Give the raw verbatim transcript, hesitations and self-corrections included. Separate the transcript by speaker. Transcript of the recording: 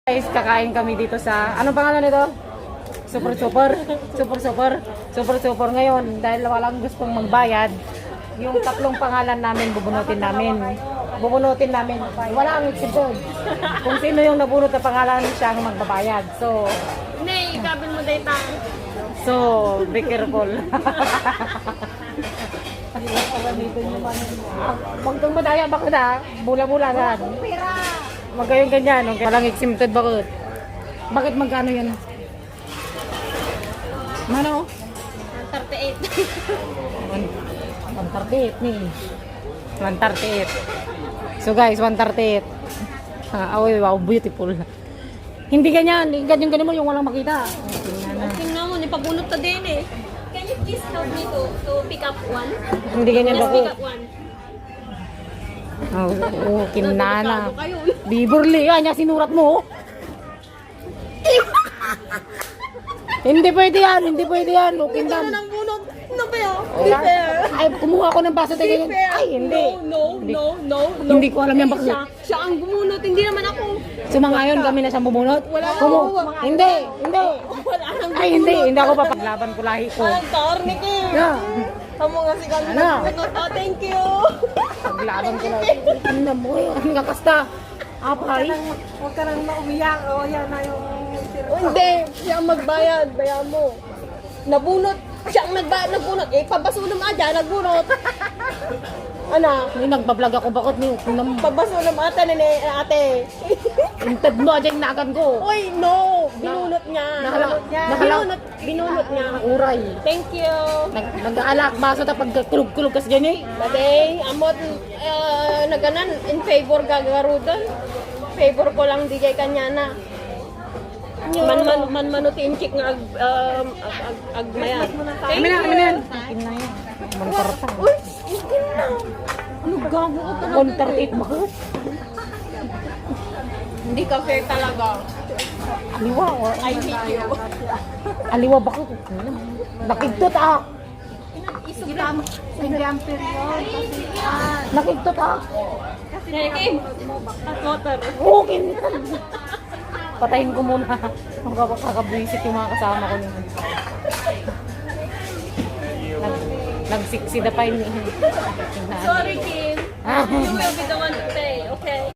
Speaker 1: Guys, kakain kami dito sa, ano pangalan nito? Super Super, Super Super, Super Super ngayon dahil walang gustong magbayad. Yung tatlong pangalan namin bubunutin namin. Bubunutin namin. Wala ang exception. Kung sino yung nabunot na pangalan siya ang magbabayad. So,
Speaker 2: Nay, kabin mo data.
Speaker 1: so be careful. Huwag kang madaya baka na, bula-bula saan. Huwag kayong ganyan, okay? Walang exempted bakit? Bakit magkano yan? Mano?
Speaker 2: one thirty-eight.
Speaker 1: one thirty-eight ni. one thirty-eight. So guys, one thirty-eight. Ah, oh, wow, beautiful. Hindi ganyan, ganyan ganyan mo yung walang makita.
Speaker 2: Tingnan mo, nipabunot ka din eh. Can you please help me to, to pick up one?
Speaker 1: Hindi ganyan
Speaker 2: Just
Speaker 1: ako.
Speaker 2: pick up one.
Speaker 1: Oh, oh kinana.
Speaker 2: Delikado kayo.
Speaker 1: Biburli, yan yung sinurat mo. Hindi pwede yan, hindi pwede yan. Okay
Speaker 2: Ito
Speaker 1: lang.
Speaker 2: na ng bunot. Ano ba yun?
Speaker 1: Oh,
Speaker 2: Be fair.
Speaker 1: ay, kumuha ako ng baso tayo.
Speaker 2: Be fair.
Speaker 1: Ay, hindi.
Speaker 2: No,
Speaker 1: Hindi.
Speaker 2: no, no, no.
Speaker 1: Hindi ko alam yan,
Speaker 2: Eh,
Speaker 1: bakit?
Speaker 2: Siya, siya ang bumunot, hindi naman ako.
Speaker 1: Sumangayon kami na siyang bumunot.
Speaker 2: Wala
Speaker 1: Kumu
Speaker 2: ako.
Speaker 1: Hindi, hindi.
Speaker 2: Wala nang
Speaker 1: Ay, hindi. Hindi ako papaglaban ko lahi ko.
Speaker 2: Walang karnik eh.
Speaker 1: Yeah.
Speaker 2: Kamu nga si kami
Speaker 1: Ano?
Speaker 2: nagbunot. Oh, thank you.
Speaker 1: Paglaban ko lahi. Ano na mo? Ang kakasta. Apay.
Speaker 2: Huwag ka nang maumiyak. O, yan na yung... Oh, hindi. Siya ang magbayad. Bayan mo. Nabunot. Siya ang nagbayad. Nagbunot. Eh, pabaso naman dyan. Nagbunot. Ano?
Speaker 1: May nagbablog ako. Bakit ni? Nang
Speaker 2: Pabaso naman ate. Nene, ate.
Speaker 1: intad mo aja yung nagan ko.
Speaker 2: Uy, no. Binunot niya.
Speaker 1: Nahala-
Speaker 2: Binunot niya.
Speaker 1: nahala-
Speaker 2: Binunot. Binunot niya.
Speaker 1: Uray.
Speaker 2: Thank you.
Speaker 1: Nag Nag-aalak baso ta pag kulog-kulog kas gani.
Speaker 2: Baday, amot uh, naganan in favor gagarudan. Favor ko lang di kay kanya na. Man man man manutin chik nga ag um, ag ag, ag maya. Thank
Speaker 1: Amin na,
Speaker 2: you.
Speaker 1: amin na yan. Akin na yan. Mantarta.
Speaker 2: Uy, hindi na.
Speaker 1: Ano gago ko talaga? one thirty-eight bakit?
Speaker 2: Hindi ka fair talaga.
Speaker 1: Aliwa. Or,
Speaker 2: I hate you.
Speaker 1: aliwa bakit? Nakigtot ah.
Speaker 2: Isugta mo. Example yun.
Speaker 1: Nakigtot ah.
Speaker 2: Kim. Water.
Speaker 1: Okay. Patayin ko muna. Magkakabwisit yung mga kasama ko. Nag, nagsiksida pa yun.
Speaker 2: Sorry, Kim. You will be the one to pay, okay?